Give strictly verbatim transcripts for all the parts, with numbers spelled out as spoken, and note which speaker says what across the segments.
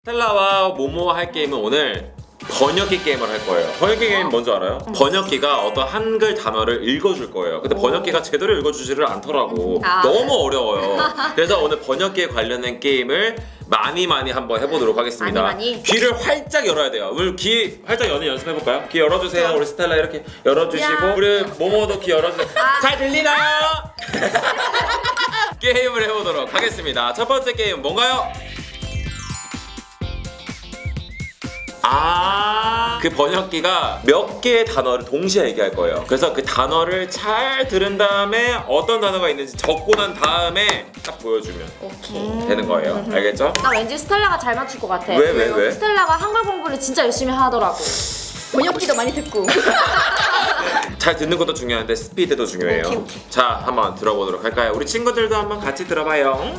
Speaker 1: 스텔라와 모모와 할 게임은 오늘 번역기 게임을 할 거예요. 번역기 게임 뭔지 알아요? 번역기가 어떤 한글 단어를 읽어줄 거예요. 근데 번역기가 제대로 읽어주지를 않더라고.
Speaker 2: 아.
Speaker 1: 너무 어려워요. 그래서 오늘 번역기에 관련된 게임을 많이 많이 한번 해보도록 하겠습니다.
Speaker 2: 많이 많이?
Speaker 1: 귀를 활짝 열어야 돼요. 우리 귀 활짝 여는 연습해볼까요? 귀 열어주세요. 우리 스텔라 이렇게 열어주시고
Speaker 2: 야.
Speaker 1: 우리 모모도 귀 열어주세요.
Speaker 2: 아.
Speaker 1: 잘 들리나요? 게임을 해보도록 하겠습니다. 첫 번째 게임 뭔가요? 아, 그 번역기가 몇 개의 단어를 동시에 얘기할 거예요. 그래서 그 단어를 잘 들은 다음에 어떤 단어가 있는지 적고 난 다음에 딱 보여주면
Speaker 2: 오케이.
Speaker 1: 되는 거예요. 알겠죠?
Speaker 2: 나 왠지 스텔라가 잘 맞출 것 같아.
Speaker 1: 왜, 왜, 왜?
Speaker 2: 스텔라가 한글 공부를 진짜 열심히 하더라고. 번역기도 많이 듣고.
Speaker 1: 잘 듣는 것도 중요한데 스피드도 중요해요.
Speaker 2: 오케이, 오케이.
Speaker 1: 자, 한번 들어보도록 할까요? 우리 친구들도 한번 같이 들어봐요.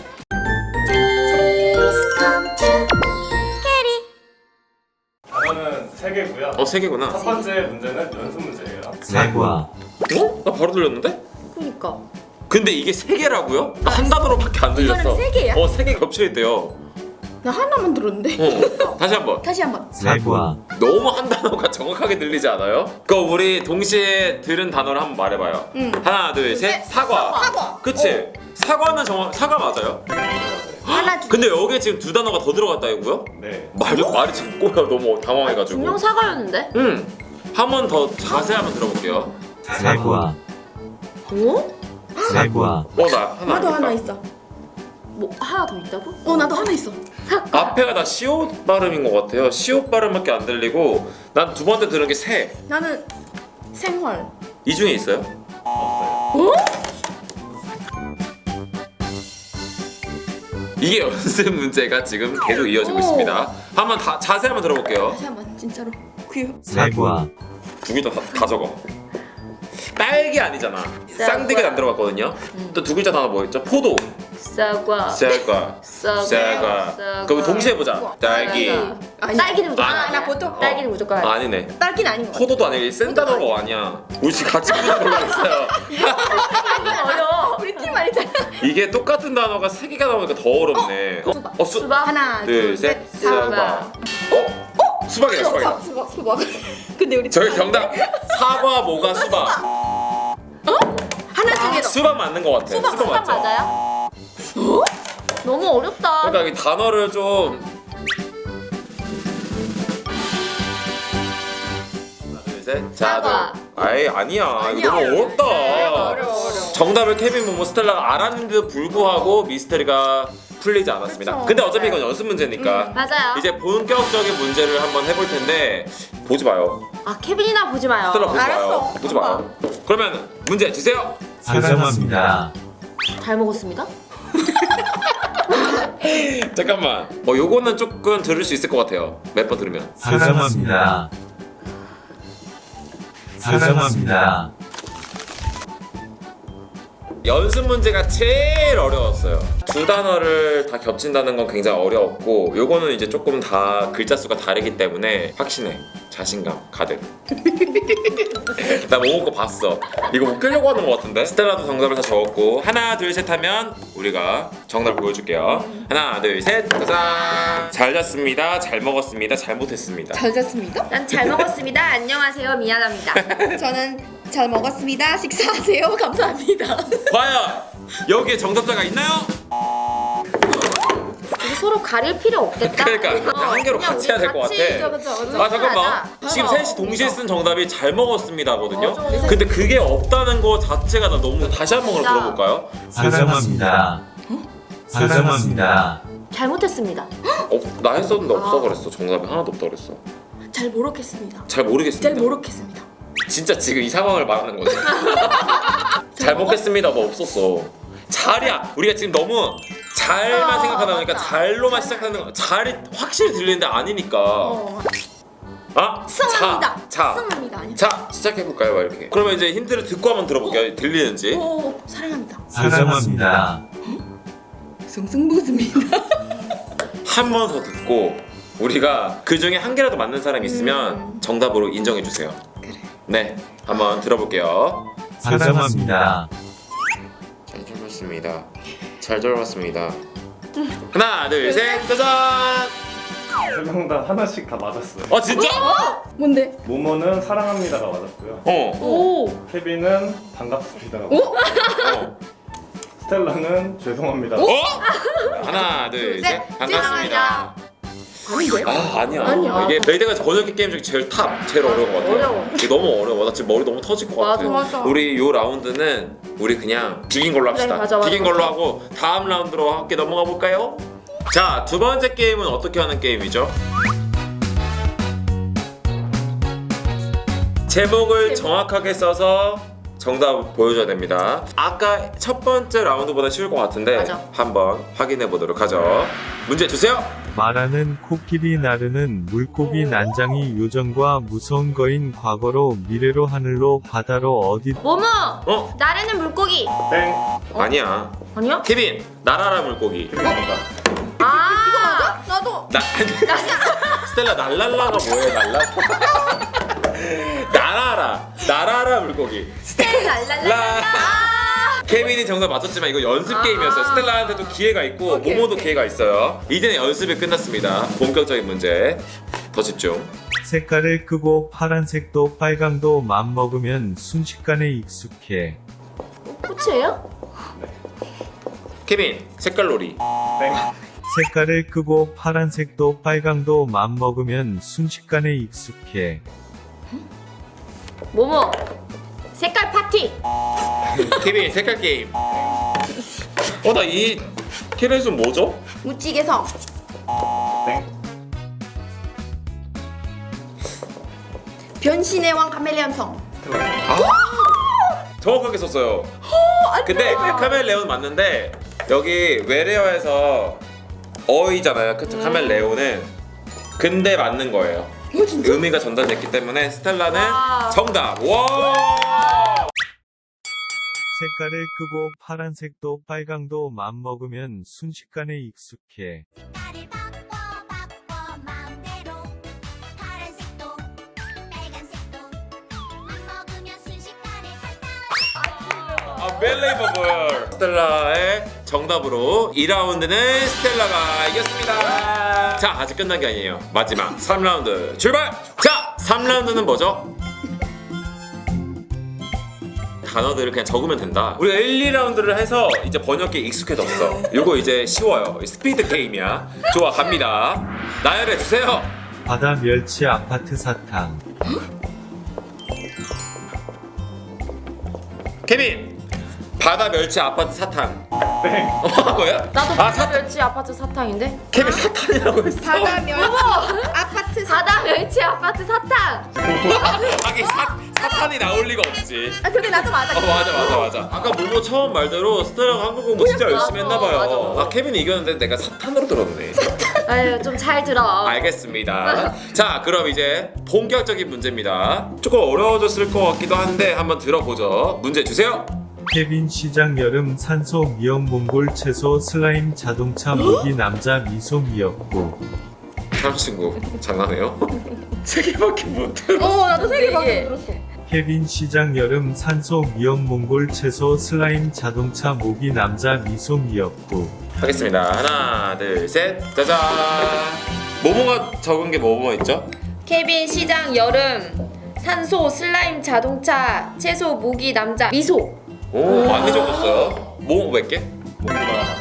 Speaker 3: 단어는 세 개고요.
Speaker 1: 어, 세 개구나.
Speaker 3: 첫 번째 문제는 연습 문제예요.
Speaker 4: 사과,
Speaker 1: 어? 나 바로 들렸는데?
Speaker 2: 그니까.
Speaker 1: 근데 이게 세 개라고요? 한 단어로밖에 안 들렸어.
Speaker 2: 이거는 세 개야?
Speaker 1: 어, 세 개 겹쳐있대요.
Speaker 2: 나 하나만 들었는데.
Speaker 1: 어. 다시 한번.
Speaker 2: 다시 한번.
Speaker 4: 사과,
Speaker 1: 너무 한 단어가 정확하게 들리지 않아요? 그럼 우리 동시에 들은 단어를 한번 말해봐요.
Speaker 2: 응.
Speaker 1: 하나, 둘, 셋. 사과.
Speaker 2: 사과.
Speaker 1: 그치? 사과는 정확 사과 맞아요?
Speaker 2: 하나 두.
Speaker 1: 근데 여기에 지금 두 단어가 더 들어갔다 이거요?
Speaker 3: 네.
Speaker 1: 말이 말이 지금 꼬여 너무 당황해가지고.
Speaker 2: 분명 사과였는데?
Speaker 1: 응. 한 번 더 자세히 한번 들어볼게요.
Speaker 4: 사과,
Speaker 2: 어?
Speaker 4: 사과,
Speaker 1: 어, 나 하나.
Speaker 5: 나도 하나
Speaker 1: 아닐까?
Speaker 5: 있어.
Speaker 2: 뭐 하나 더 있다고?
Speaker 5: 어 나도 하나 있어.
Speaker 1: 앞에가 다 시옷 발음인 것 같아요. 시옷 발음밖에 안 들리고 난 두 번째 들은 게 새.
Speaker 5: 나는 생활.
Speaker 1: 이 중에 있어요? 이게 연습 문제가 지금 계속 이어지고
Speaker 2: 오.
Speaker 1: 있습니다. 한번 다 자세히 한번 들어볼게요.
Speaker 5: 다시 한번 진짜로. 귀여.
Speaker 4: 사과,
Speaker 1: 두 개 다 다 적어. 딸기 아니잖아. 쌍디가 안 들어갔거든요. 또 두 글자 단어 뭐였죠? 포도.
Speaker 2: 사과.
Speaker 1: 쌀과.
Speaker 2: 사과.
Speaker 1: 쌀과. 그럼 동시에 보자. 딸기.
Speaker 5: 아니.
Speaker 2: 딸기는 무조건.
Speaker 1: 아,
Speaker 2: 아니야.
Speaker 5: 나 보통
Speaker 2: 딸기는 무조건. 아니야.
Speaker 1: 아니네.
Speaker 5: 딸기는 아닌 것 같아.
Speaker 1: 포도도 아니고 센 단어가 아니야. 우리 지금 같이 부르는 걸로 했어요.
Speaker 2: 어려워.
Speaker 5: 우리 팀 아니잖아.
Speaker 1: 이게 똑같은 단어가 세 개가 나오니까 더 어렵네. 어,
Speaker 5: 수박.
Speaker 1: 어, 수,
Speaker 2: 수박.
Speaker 5: 하나,
Speaker 1: 둘,
Speaker 5: 둘,
Speaker 1: 셋,
Speaker 5: 셋.
Speaker 1: 수박. 어? 어? 수박이다, 수박이다.
Speaker 5: 수박, 수박, 수박. 근데 우리
Speaker 1: 저희
Speaker 5: 팀
Speaker 1: 정답. 사과, 모가, 수박.
Speaker 5: 하나 중에 더.
Speaker 1: 수박 맞는 것 같아.
Speaker 2: 수박 수박
Speaker 1: 맞죠?
Speaker 2: 맞아요? 너무 어렵다.
Speaker 1: 그러니까 이 단어를 좀. 하나, 둘, 셋.
Speaker 2: 사과.
Speaker 1: 아이 아니야. 이거 너무
Speaker 5: 어려워.
Speaker 1: 어렵다.
Speaker 5: 어려워, 어려워.
Speaker 1: 정답을 케빈 모모 스텔라가 알았는데도 불구하고 미스터리가 풀리지 않았습니다.
Speaker 5: 그쵸.
Speaker 1: 근데 어차피 이건 연습 문제니까.
Speaker 2: 맞아요.
Speaker 1: 이제 본격적인 문제를 한번 해볼 텐데 보지 마요.
Speaker 2: 아 케빈이나 보지 마요.
Speaker 1: 스텔라 보지
Speaker 5: 알았어.
Speaker 1: 마요. 보지 마요. 그러면 문제 주세요.
Speaker 4: 사과합니다.
Speaker 2: 잘 먹었습니다.
Speaker 1: 잠깐만. 어 요거는 조금 들을 수 있을 것 같아요. 몇 번 들으면.
Speaker 4: 사과합니다. 사과합니다.
Speaker 1: 연습 문제가 제일 어려웠어요. 두 단어를 다 겹친다는 건 굉장히 어려웠고 요거는 이제 조금 다 글자 수가 다르기 때문에 확신해. 자신감 가득. 나 모모 거 봤어. 이거 웃기려고 하는 것 같은데? 스텔라도 정답을 다 적었고 하나 둘 셋 하면 우리가 정답을 보여줄게요. 하나 둘 셋 짜잔. 잘 잤습니다. 잘 먹었습니다. 잘못했습니다.
Speaker 5: 잘 잤습니다.
Speaker 2: 난 잘 먹었습니다. 안녕하세요. 미안합니다.
Speaker 5: 저는 잘 먹었습니다. 식사하세요. 감사합니다.
Speaker 1: 과연 여기에 정답자가 있나요?
Speaker 2: 우리 서로 가릴 필요 없겠다.
Speaker 1: 그러니까
Speaker 2: 어,
Speaker 1: 그냥 한 개로
Speaker 2: 그냥
Speaker 1: 같이 해야 될 것
Speaker 2: 같이
Speaker 1: 같아.
Speaker 5: 그쵸, 그쵸, 그쵸.
Speaker 1: 아 잠깐만.
Speaker 2: 하자.
Speaker 1: 지금
Speaker 2: 맞아.
Speaker 1: 셋이 동시에 쓴 정답이 잘 먹었습니다거든요.
Speaker 2: 맞아.
Speaker 1: 근데 그게 없다는 거 자체가 나 너무 다시 한 번
Speaker 2: 진짜.
Speaker 1: 들어볼까요?
Speaker 4: 사과합니다. 사과합니다.
Speaker 2: 잘못했습니다.
Speaker 1: 어, 나 했었는데 없어
Speaker 2: 아.
Speaker 1: 그랬어. 정답이 하나도 없다 그랬어.
Speaker 5: 잘 모르겠습니다.
Speaker 1: 잘 모르겠습니다.
Speaker 5: 잘 모르겠습니다.
Speaker 1: 진짜 지금 이 상황을 말하는 거지. 잘 먹겠습니다. 뭐 없었어. 잘이야. 우리가 지금 너무 잘만
Speaker 2: 어,
Speaker 1: 생각하다 보니까
Speaker 2: 맞아.
Speaker 1: 잘로만 시작하는 거. 잘이 확실히 들리는데 아니니까.
Speaker 5: 어.
Speaker 1: 아?
Speaker 5: 승합니다.
Speaker 1: 자, 자.
Speaker 5: 승합니다. 아니.
Speaker 1: 자 시작해볼까요? 이렇게. 그러면 이제 힌트를 듣고 한번 들어볼게요. 들리는지.
Speaker 5: 오, 사랑합니다.
Speaker 4: 사과합니다.
Speaker 5: 승승부습니다.
Speaker 1: 한 번 더 듣고 우리가 그 중에 한 개라도 맞는 사람이 있으면
Speaker 5: 음.
Speaker 1: 정답으로 인정해 주세요.
Speaker 5: 그래.
Speaker 1: 네, 한번 들어볼게요.
Speaker 4: 사과합니다.
Speaker 1: 잘 들었습니다. 잘 들어봤습니다. 하나, 둘, 셋, 짜잔!
Speaker 3: 세 명 다 하나씩 다 맞았어요.
Speaker 1: 아 진짜?
Speaker 2: 뭔데?
Speaker 3: 모모는 사랑합니다가 맞았고요.
Speaker 1: 어.
Speaker 2: 오.
Speaker 3: 케빈은 반갑습니다가
Speaker 2: 오?
Speaker 3: 맞았고요.
Speaker 1: 어.
Speaker 3: 스텔라는 죄송합니다.
Speaker 1: 어? 하나 둘
Speaker 2: 둘,
Speaker 1: 셋
Speaker 2: 셋.
Speaker 1: 반갑습니다.
Speaker 2: 아닌데요?
Speaker 1: 아 아니야.
Speaker 2: 아니야.
Speaker 1: 이게 메이드가 번역기 게임 중에 제일 탑, 제일 어려운 것 같아.
Speaker 2: 어려워.
Speaker 1: 이게 너무 어려워. 나 지금 머리 너무 터질 것
Speaker 2: 맞아,
Speaker 1: 같아.
Speaker 2: 맞아.
Speaker 1: 우리 요 라운드는 우리 그냥 비긴 걸로 합시다.
Speaker 2: 그래, 맞아, 맞아,
Speaker 1: 비긴 걸로
Speaker 2: 맞아.
Speaker 1: 하고 다음 라운드로 함께 넘어가 볼까요? 자, 두 번째 게임은 어떻게 하는 게임이죠? 제목을 정확하게 써서 정답 보여줘야 됩니다. 아까 첫 번째 라운드보다 쉬울 것 같은데
Speaker 2: 맞아.
Speaker 1: 한번 확인해 보도록 하죠. 문제 주세요.
Speaker 4: 말하는 코끼리 나르는 물고기 난장이 요정과 무서운 거인 과거로 미래로 하늘로 바다로 어디
Speaker 2: 모모.
Speaker 1: 어?
Speaker 2: 나르는 물고기.
Speaker 3: 땡.
Speaker 1: 아니야.
Speaker 2: 아니야?
Speaker 1: 케빈, 나라라 물고기.
Speaker 3: 케빈 정답.
Speaker 2: 아. 이거 맞아? 나도.
Speaker 1: 나 스텔라 날랄라가 뭐예요? 날라? 나라라, 나라라 물고기.
Speaker 2: 랄랄라.
Speaker 1: 라. 케빈이 정답 맞췄지만 이거 연습
Speaker 2: 아.
Speaker 1: 게임이었어요. 스텔라한테도 기회가 있고
Speaker 2: 오케이,
Speaker 1: 모모도
Speaker 2: 오케이.
Speaker 1: 기회가 있어요. 이제는 연습이 끝났습니다. 본격적인 문제. 더 집중.
Speaker 4: 색깔을 끄고 파란색도 빨강도 맘먹으면 순식간에 익숙해.
Speaker 2: 끝이에요?
Speaker 1: 케빈, 색깔놀이.
Speaker 3: 땡.
Speaker 4: 색깔을 끄고 파란색도 빨강도 맘먹으면 순식간에 익숙해.
Speaker 2: 모모. 색깔 파티.
Speaker 1: 케빈, 색깔 게임. 어, 나 이 캐릭터 뭐죠?
Speaker 5: 무지개성.
Speaker 3: 땡.
Speaker 5: 변신의 왕 카멜레온성.
Speaker 1: 아, 정확하게 썼어요. 근데 카멜레온 맞는데 여기 외래어에서 어이잖아요. 그쵸? 카멜레온은 근데 맞는 거예요. 의미가 전달됐기 때문에 스텔라는
Speaker 2: 와.
Speaker 1: 정답. 와.
Speaker 4: 색깔을 끄고 파란색도 빨강도 맘먹으면 순식간에 익숙해.
Speaker 6: 색깔을 바꿔 바꿔 마음대로 파란색도 빨간색도 맘먹으면 순식간에 간다.
Speaker 1: Unbelievable. 스텔라의 정답으로 이 라운드는 스텔라가 이겼습니다. 자, 아직 끝난 게 아니에요. 마지막 삼 라운드 출발. 자, 삼 라운드는 뭐죠? 단어들을 그냥 적으면 된다. 우리가 일, 이 라운드를 해서 이제 번역기에 익숙해졌어. 이거 이제 쉬워요. 스피드 게임이야. 좋아, 갑니다. 나열해 주세요.
Speaker 4: 바다 멸치 아파트 사탕.
Speaker 1: 케빈, 바다 멸치 아파트 사탕.
Speaker 3: 땡.
Speaker 1: 어, 뭐야?
Speaker 2: 나도
Speaker 1: 아,
Speaker 2: 바다
Speaker 1: 사탕.
Speaker 2: 멸치 아파트 사탕인데.
Speaker 1: 케빈 사탕이라고 했어.
Speaker 5: 바다 멸치. 아파트 사.
Speaker 2: 바다 멸치 아파트 사탕.
Speaker 1: 하긴 사, 사탄이 나올 리가 없지.
Speaker 5: 아 근데 나도 맞아.
Speaker 1: 어 맞아 맞아 맞아. 아까 모모 처음 말대로 스텔라가 한국 공부 진짜 열심히
Speaker 2: 맞아,
Speaker 1: 했나봐요.
Speaker 2: 맞아, 맞아.
Speaker 1: 아 케빈이 이겼는데 내가 사탄으로 들었네.
Speaker 2: 아유 좀 잘 들어.
Speaker 1: 알겠습니다. 자 그럼 이제 본격적인 문제입니다. 조금 어려워졌을 것 같기도 한데 한번 들어보죠. 문제 주세요.
Speaker 4: 케빈 시장 여름 산소 미역 몽골 채소 슬라임 자동차 모기 남자 미소 미역국.
Speaker 1: 사람 친구 장난해요? 세 개밖에 못 들어.
Speaker 5: 어 나도 세 개밖에
Speaker 2: 네 개.
Speaker 5: 못 들었어.
Speaker 4: 케빈 시장 여름 산소 미역 몽골 채소 슬라임 자동차 모기 남자 미소 미역국.
Speaker 1: 하겠습니다. 하나 둘 셋 짜잔. 모모가 적은 게 뭐뭐 있죠?
Speaker 2: 케빈 시장 여름 산소 슬라임 자동차 채소 모기 남자 미소.
Speaker 1: 오 많이 적었어요. 모모 몇 개?
Speaker 3: 모두가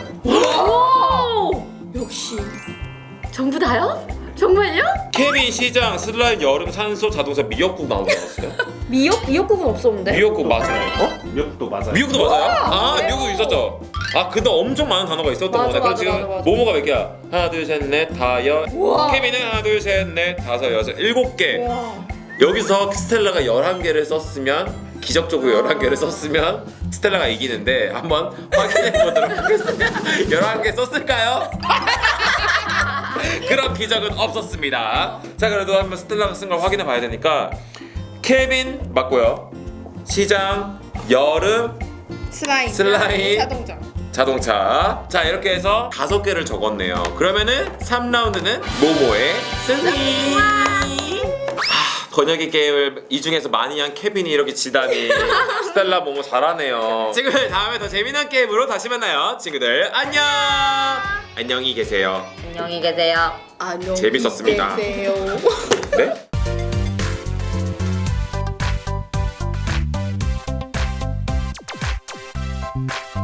Speaker 2: 오 역시 전부 다요? 정말요?
Speaker 1: 케빈 시장 슬라임 여름 산소 자동차 미역국 나온 거 같았어요.
Speaker 2: 미역 미역국은 없었는데.
Speaker 1: 미역국 맞아요. 어?
Speaker 3: 미역도 맞아요.
Speaker 1: 미국도 맞아요? 아 미국 있었죠. 아 근데 엄청 많은 단어가 있었던
Speaker 2: 맞아,
Speaker 1: 거네. 그럼
Speaker 2: 맞아,
Speaker 1: 지금
Speaker 2: 맞아, 맞아.
Speaker 1: 모모가 몇 개야? 하나 둘 셋 넷 다여.
Speaker 2: 우와.
Speaker 1: 케빈은 하나 둘 셋 넷 다섯 여섯 일곱 개.
Speaker 2: 와.
Speaker 1: 여기서 스텔라가 열한 개를 썼으면 기적적으로 열한 개를 썼으면 스텔라가 이기는데 한번 확인해 보도록 하겠습니다. 열한 개 썼을까요? 그런 기적은 없었습니다. 자 그래도 한번 스텔라가 쓴 걸 확인해 봐야 되니까 케빈 맞고요. 시장 여름
Speaker 5: 슬라임.
Speaker 1: 슬라임.
Speaker 5: 자동차.
Speaker 1: 자동차. 자 이렇게 해서 다섯 개를 적었네요. 그러면은 삼 라운드는 모모의 승리. 아, 번역기 게임을 이 중에서 많이 한 케빈이 이렇게 지다니. 스텔라 모모 잘하네요. 친구들 다음에 더 재미난 게임으로 다시 만나요. 친구들 안녕. 안녕히 계세요.
Speaker 2: 안녕히 계세요.
Speaker 5: 안녕.
Speaker 1: 재밌었습니다.
Speaker 5: 계세요.
Speaker 1: 네?